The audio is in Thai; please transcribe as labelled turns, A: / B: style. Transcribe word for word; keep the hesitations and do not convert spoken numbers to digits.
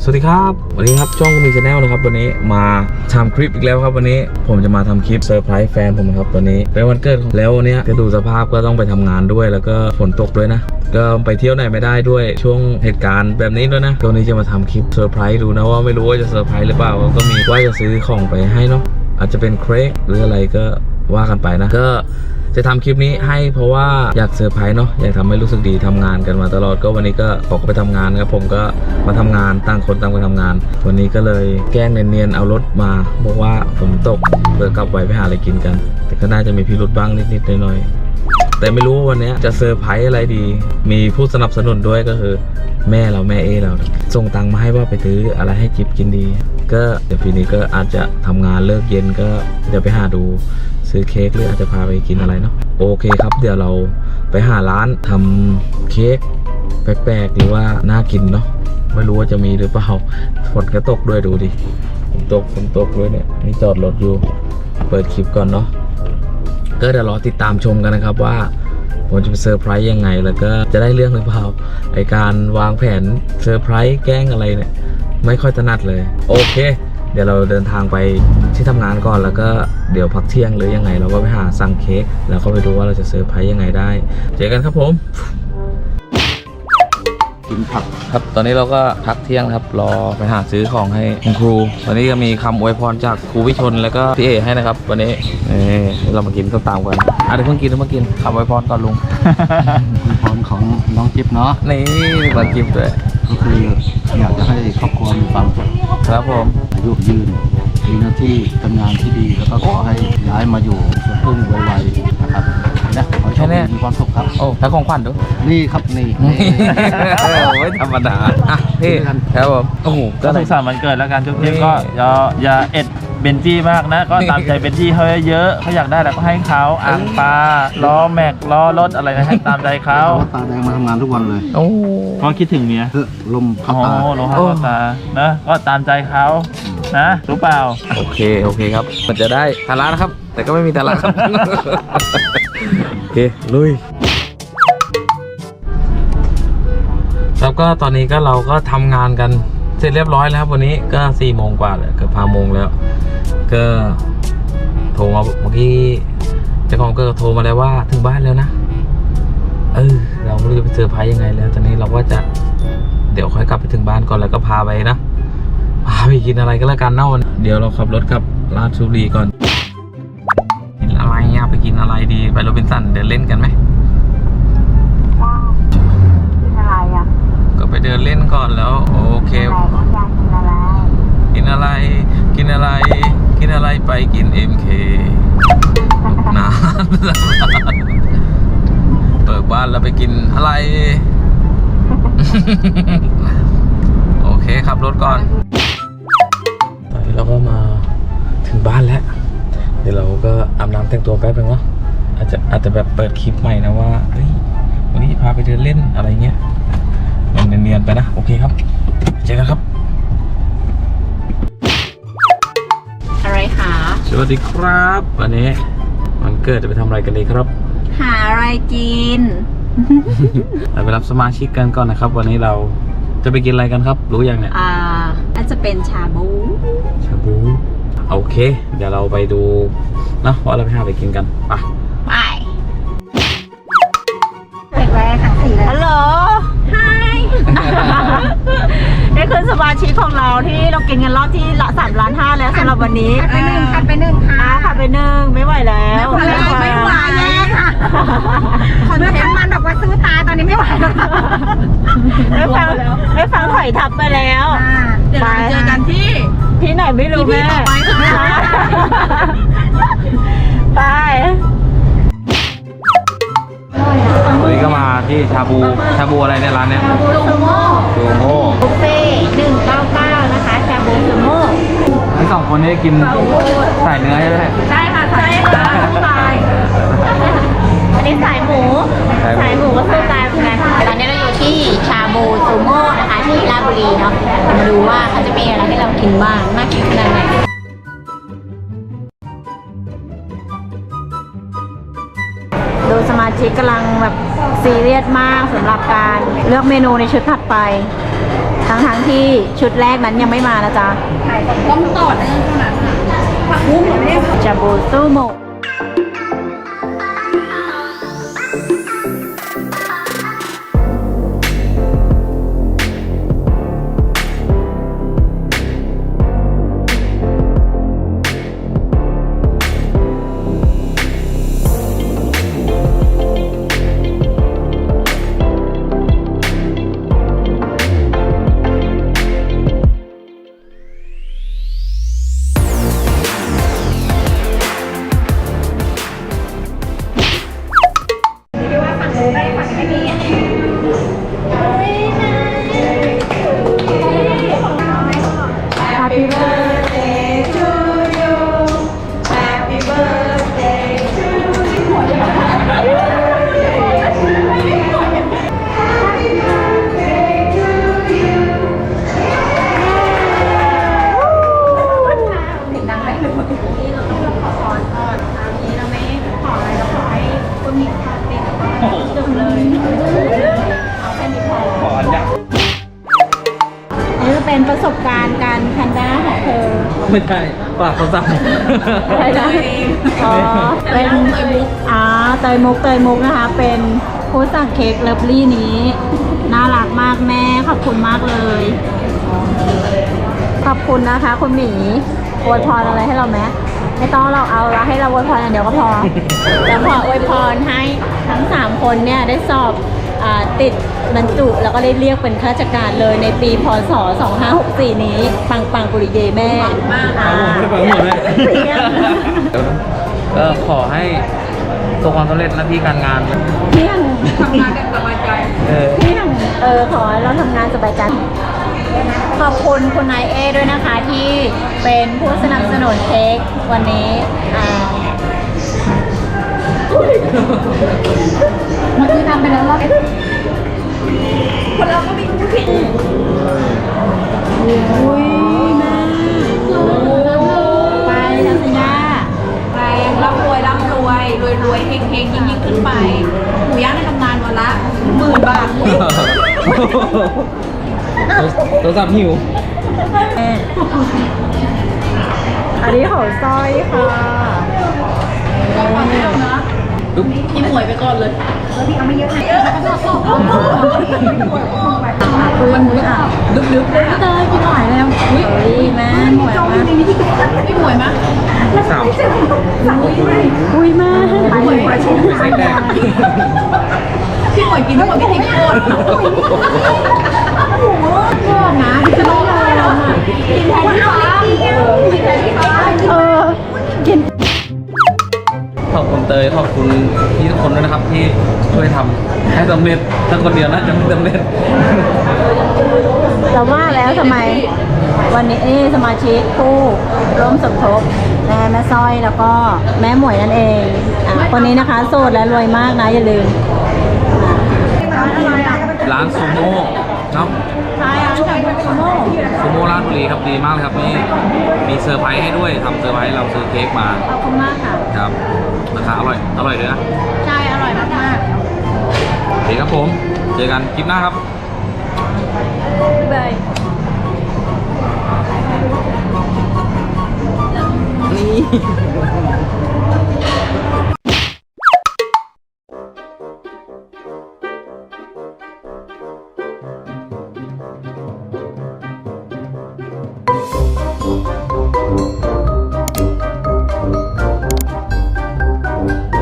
A: สวัสดีครับวันนี้ครับช่องมีชาแนลนะครับวันนี้มาทำคลิปอีกแล้วครับวันนี้ผมจะมาทำคลิปเซอร์ไพรส์แฟนผมครับวันนี้เป็นวันเกิดแล้ววันนี้จะดูสภาพก็ต้องไปทำงานด้วยแล้วก็ฝนตกด้วยนะก็ไปเที่ยวไหนไม่ได้ด้วยช่วงเหตุการณ์แบบนี้ด้วยนะวันนี้จะมาทำคลิปเซอร์ไพรส์ดูนะว่าไม่รู้ว่าจะเซอร์ไพรส์หรือเปล่าก็มีว่าจะซื้อของไปให้เนาะอาจจะเป็นเค้กหรืออะไรก็ว่ากันไปนะก็จะทำคลิปนี้ให้เพราะว่าอยากเซอร์ไพรส์เนาะอยากทำให้รู้สึกดีทำงานกันมาตลอดก็วันนี้ก็ออกไปทำงานครับผมก็มาทำงานต่างคนต่างไปทำงานวันนี้ก็เลยแกล้งเนียนๆเอารถมาบอกว่าฝนตกเพื่อกลับไว้ไปหาอะไรกินกันแต่ก็น่าจะมีพิรุธบ้างนิดๆหน่อยๆแต่ไม่รู้ว่าวันนี้จะเซอร์ไพรส์อะไรดีมีผู้สนับสนุนด้วยก็คือแม่เราแม่เอเราส่งตังค์มาให้ว่าไปซื้ออะไรให้จิ๊บกินดีก็เดี๋ยวปีนี้ก็อาจจะทำงานเลิกเย็นก็เดี๋ยวไปหาดูซื้อเค้กหรืออาจจะพาไปกินอะไรเนาะโอเคครับเดี๋ยวเราไปหาร้านทำเค้กแปลกๆหรือว่าน่ากินเนาะไม่รู้ว่าจะมีหรือเปล่าฝนก็ตกด้วยดูดิฝนตกฝนตกด้วยเนี่ยนี่จอดรถอยู่เปิดคลิปก่อนเนาะก็เดี๋ยวรอติดตามชมกันนะครับว่าผมจะไปเซอร์ไพรส์ยังไงแล้วก็จะได้เรื่องหรือเปล่าไอการวางแผนเซอร์ไพรส์แกล้งอะไรเนี่ยไม่ค่อยถนัดเลยโอเคเดี๋ยวเราเดินทางไปที่ทำงานก่อนแล้วก็เดี๋ยวพักเที่ยงหรือยังไงเราก็ไปหาสั่งเค้กแล้วก็ไปดูว่าเราจะเซอร์ไพรส์ยังไงได้เจอกันครับผมกินผักครับตอนนี้เราก็พักเที่ยงครับรอไปหาซื้อของให้คุณครูวันนี้ก็มีคำอวยพรจากครูวิชนแล้วก็พี่เอให้นะครับวันนี้นี่เรามากินข้าวตามกันอ่ะเดี๋ยวเพิ่งกินเดี๋ยวเพิ่งกินคำอวยพรก่อนลุง
B: อวยพรของน้องจิ๊บเนาะ
A: นี่มากินด้วย
B: ก็คืออยากจะให้ครอบครัวมีความสุข
A: ครับผม
B: อายุยืนมีหน้าที่ทำงานที่ดีแล้วก็ขอให้ย้ายมาอยู่สวนพึ่งไวๆนะครับนะขอให้โชคดีมีความสุขครับ
A: โอ้แล้วของขวัญดู
B: นี่ครับนี่
A: ไม่ธรรมดาอ่ะพี่ครับผมโอ้โห
C: ก็สุขสันต์วันเกิดแล้วกันทุกทีก็อย่าอย่าเอ็ดเบนจี้มากนะก็ตามใจเบนจี้เขาเยอะเขาอยากได้แล้วก็ให้เขาอ่างปลาล้อแม็กล้อรถอะไรนะให้ตามใจเขา
B: ตาแดงมาทำงานทุกวันเลย
A: โอ้
C: ก็คิดถึงเมีย
B: ลมเข้าตา
C: ลมเข้าตานะก็ตามใจเขานะรู้เปล่า
A: โอเคโอเคครับมันจะได้ทาระนะครับแต่ก็ไม่มีทาระครับโอเคลุยแล้วก็ตอนนี้ก็เราก็ทำงานกันเสร็จเรียบร้อยแล้วครับวันนี้ก็สี่โมงกว่าเลยเกือบห้าโมงแล้วก็โทรมาเมื่อกี้เจ้าของก็โทรมาแล้วว่าถึงบ้านแล้วนะเออเราไม่รู้จะไปเซอร์ไพรส์ยังไงแล้วตอนนี้เราก็จะเดี๋ยวค่อยกลับไปถึงบ้านก่อนแล้วก็พาไปนะพาไปกินอะไรก็แล้วกันเนาะเดี๋ยวเราขับรถกลับราชบุรีก่อนกินอะไรอะไปกินอะไรดีไปโรบินสันเดินเล่นกันไหม
D: อะไรอ่ะ
A: ก็ไปเดินเล่นก่อนแล้วโอเคกินอะไรกินอะไรกินอะไรไปกิน เอ็ม เค นานเปิดบ้านแล้วไปกินอะไรโอเคขับรถก่อนตอนนี้เราก็มาถึงบ้านแล้วเดี๋ยวเราก็อาบน้ำแต่งตัวแป๊บนึงเนาะอาจจะอาจจะแบบเปิดคลิปใหม่นะว่าเฮ้ยวันนี้พาไปเดินเล่นอะไรเงี้ยมันเนียนๆไปนะโอเคครับเจอกันครับ
D: อะไรคะ
A: สวัสดีครับวันนี้วันเกิดจะไปทำอะไรกันดีครับ
D: หาอะไรกิน
A: เราไปรับสมาชิกกันก่อนนะครับวันนี้เราจะไปกินอะไรกันครับรู้ยังเนี่ย
D: อ่าน่าจะเป็นชาบู
A: ชาบูโอเคเดี๋ยวเราไปดูนะว่าเราไปหาอะไรกินกันไป
D: ไปเด็กแรกค่ะสี่เลยฮัลโหลไฮนี่คือสมาชิกของเราที่เรากินกันรอบที่ละสามล้านห้าแล้วสำหรับวันนี้
E: ขัดไปหนึ่งขัดไปหนึ่งค่ะ
D: ขัดไปหนึ่งไม่ไหวแล้ว
E: ไม่ไหวไม่ไหวแล้วค่ะคนเห็นมันบอกว่าซื้อตายตอนนี้ไม่ไหวแล้วค่ะ
D: ไม่ฟังไม่ฟังถอยทับไปแล้ว
E: เดี๋ยวเราเจอกันที่
D: ที่ไหนไม่รู้แม่ไป
A: วันนี้ก็มาที่ชาบูชาบูอะไรในร้านเนี้ย
D: ซูโม่
A: ซูโม่
D: บุฟเฟ่หนึ่งเก้าเก้านะคะชาบูซูโม่
A: ทั้งสองคนนี้กินใส่เนื้อใช่ไหม
D: ใช่ค่ะใช่ค่ะสู้ตายอันนี้สายหมูสายหมูก็สู้ตายเหมือนกันตอนนี้เราอยู่ที่ชาบูซูโม่นะคะที่ราชบุรีเนาะมาดูว่าเขาจะมีอะไรให้เรากินบ้างน่ากินขนาดไหนดูสมาชิกกำลังแบบซีเรียสมากสำหรับการเลือกเมนูในชุดถัดไปททั้งทั้งๆที่ชุดแรกนั้นยังไม่มานะจ๊ะ
E: ต้องต่อเนื่องเท่านั้นค่ะผักบุ้งเหมือนไม่ได้
D: ชาบูซูโมะนี่จะเป็นประสบการณ์การแพนด้าของเธอ
A: ไม่ใช่ปากเขาสั่ง
D: อะไรนะอ๋อ เป็นอ่าเตยมุกเตยมุกนะคะ เป็นผู้สั่งเค้กเลิฟลี่นี้ น่ารักมากแม่ ขอบคุณมากเลย ขอบคุณนะคะ คุณหมีอวยพรอะไรให้เราไหมไม่ต้องเราเอาละให้เราอวยพรอย่างเดียวก็พอ แล้วขออวยพรให้ทั้งสามคนเนี่ยได้สอบอาติดบรรจุแล้วก็ได้เรียกเป็นข้าราชการเลยในปีพศสองห้าหกสี่นี้ ปังปังปุริเยแม่มากอ่า
A: ก็ขอให้ประสบความสำเร็จหน้าที่การงาน
D: เที่ยง
E: ทำงานกันสบายใจ
A: เออ
D: เที่ยงเออขอให้เราทำงานสบายใจขอบคุณคุณนายเอด้วยนะคะที่เป็นผู้สนับสนุนเค้กวันนี้อ่า
E: มันคือทำไปแล้วรอบคนเราก็มีผู้ผิด
D: อุ้ยแม่ไปทัศญา
E: แรงร่ำรวยร่ำรวยรวยรวยเฮงเฮงยิ่งยิ่งขึ้นไปหมูย่างในตำนานวันละหมื่นบาท
A: ตัวสับหิว
D: อันนี้ของสร้อยค่ะ
E: พี่หมวยไปก่อนเลยแล้วพี่เอาไม่เยอะไหนเยอะแล้วก็ชอบ
D: มันมุ้ยอ่ะดึกๆเลยเตยกินหน่อยแล้วอุ้ยแม่หมวยมาก
E: พี่หมวยมั้ย
A: สาม
D: อุ้ยแม่
E: พี่หมวยมาชม
A: ใส่แดง
E: พี่หมวยกินทั้งหมดพี่ทิ้งโคตรชอบนะพี่จะต้องรอกินแทนที่ฟ้ากินแทนที่ฟ้า
D: เออกิน
A: ขอบคุณเตยขอบคุณพี่ทุกคนด้วยนะครับที่ช่วยทำให้สำเร็จถ้าคนเดียวน่าจะไม่สำเร็จ
D: เราว่าแล้วทำไม วันนี้นี่สมาชิกผู้ร่วมสมทบแม่แม่สร้อยแล้วก็แม่หมวยนั่นเองอ่ะคนนี้นะคะโสดและรวยมากนะอย่าลืม
A: ร้านซูโม่เนาะ
D: ใช่อ่ะจากซูโม่
A: ซูโม่ราชบุรีครับดีมากเลยครับนี่มีเซอร์ไพรส์ให้ด้วยทำเซอร์ไพรส์เราซื้อเค้กมา
D: ขอบคุณมากค่ะ
A: ครับราคาอร่อยอร่อยเลยนะ
D: ใช่อร่อยมากมาก
A: โอเคครับผมเจอกันคลิปหน้าครับ
D: บาย
A: เ